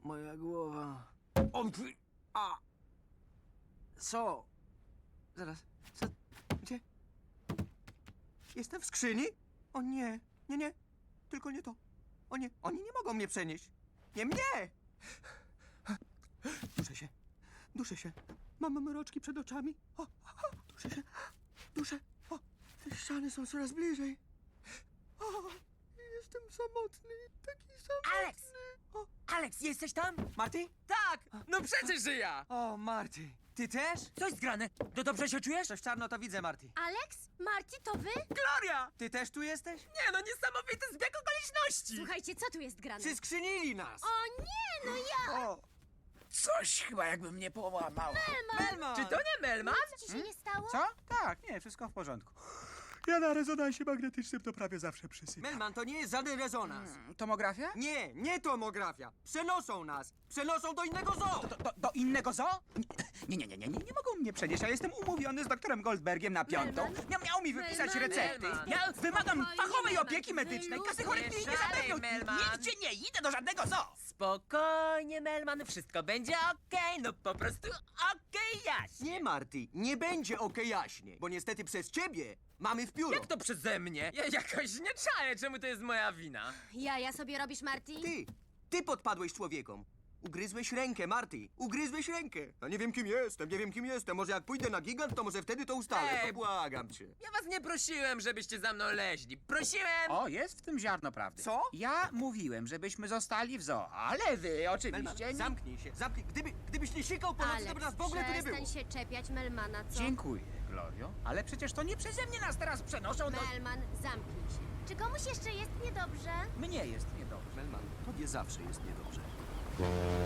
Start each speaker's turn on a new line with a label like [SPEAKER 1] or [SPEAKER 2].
[SPEAKER 1] Moja głowa. A! Co? Zaraz. Co? Gdzie? Jestem w skrzyni? O nie, nie, nie. Tylko nie to. O nie, oni nie mogą mnie przenieść. Nie mnie! Duszę się. Duszę się. Mam mroczki przed oczami. Duszę się. Duszę. O, te ściany są coraz bliżej. O, jestem samotny. Taki samotny.
[SPEAKER 2] Alex! Alex, jesteś tam?
[SPEAKER 1] Marty?
[SPEAKER 2] Tak! No przecież, że ja!
[SPEAKER 1] O, Marty. Ty też?
[SPEAKER 2] Coś zgrane. To dobrze się czujesz?
[SPEAKER 1] Coś czarno to widzę, Marty.
[SPEAKER 3] Alex? Marty, to wy?
[SPEAKER 2] Gloria!
[SPEAKER 1] Ty też tu jesteś?
[SPEAKER 2] Nie no, niesamowity zbieg okoliczności!
[SPEAKER 3] Słuchajcie, co tu jest grane?
[SPEAKER 1] Przyskrzynili nas.
[SPEAKER 3] O nie, no ja!
[SPEAKER 1] O,
[SPEAKER 2] Coś chyba jakby mnie połamał.
[SPEAKER 1] Melman!
[SPEAKER 2] Czy to nie Melman?
[SPEAKER 3] Co ci się nie stało?
[SPEAKER 4] Co? Tak, nie, wszystko w porządku. Ja na rezonansie magnetycznym to prawie zawsze przysypiam.
[SPEAKER 1] Melman, to nie jest żaden rezonans.
[SPEAKER 4] Tomografia?
[SPEAKER 1] Nie, nie tomografia. Przenoszą nas. Przenoszą do innego zoo.
[SPEAKER 4] Do innego zoo? Nie mogą mnie przenieść. Ja jestem umówiony z doktorem Goldbergiem na piątą. Miał mi wypisać
[SPEAKER 3] Melman.
[SPEAKER 4] recepty.
[SPEAKER 2] Melman.
[SPEAKER 4] Ja wymagam
[SPEAKER 3] Spokojnie,
[SPEAKER 4] fachowej
[SPEAKER 3] Melman.
[SPEAKER 4] opieki medycznej. Kasy chorych mi nie
[SPEAKER 2] Nie szalej,
[SPEAKER 4] zapewnią.
[SPEAKER 2] Melman.
[SPEAKER 4] Nigdzie nie idę do żadnego zoo.
[SPEAKER 2] Spokojnie, Melman, wszystko będzie okej, no po prostu okej, Jaś.
[SPEAKER 1] Nie, Marty, nie będzie jaśnie, bo niestety przez ciebie mamy w pióro.
[SPEAKER 2] Jak to przeze mnie? Ja jakoś nie czaję, czemu to jest moja wina.
[SPEAKER 3] Ja sobie robisz, Marty?
[SPEAKER 1] Ty podpadłeś człowiekom. Ugryzłeś rękę, Marty. Ugryzłeś rękę. A nie wiem, kim jestem, nie wiem, kim jestem. Może jak pójdę na gigant, to może wtedy to ustalę.
[SPEAKER 2] Ej.
[SPEAKER 1] To błagam cię.
[SPEAKER 2] Ja was nie prosiłem, żebyście za mną leźli. Prosiłem...
[SPEAKER 4] O, jest w tym ziarno prawdy.
[SPEAKER 1] Co?
[SPEAKER 4] Ja mówiłem, żebyśmy zostali w zoo, ale wy
[SPEAKER 1] Melman,
[SPEAKER 4] oczywiście nie...
[SPEAKER 1] zamknij się. Zamknij. Gdybyś nie sikał po nocy, to by nas w ogóle tu nie było.
[SPEAKER 3] przestań się czepiać Melmana, co?
[SPEAKER 4] Dziękuję, Glorio. Ale przecież to nie przeze mnie nas teraz przenoszą do...
[SPEAKER 3] Melman, zamknij się. Czy komuś jeszcze jest niedobrze?
[SPEAKER 4] Mnie jest niedobrze.
[SPEAKER 1] Melman, tobie zawsze jest niedobrze.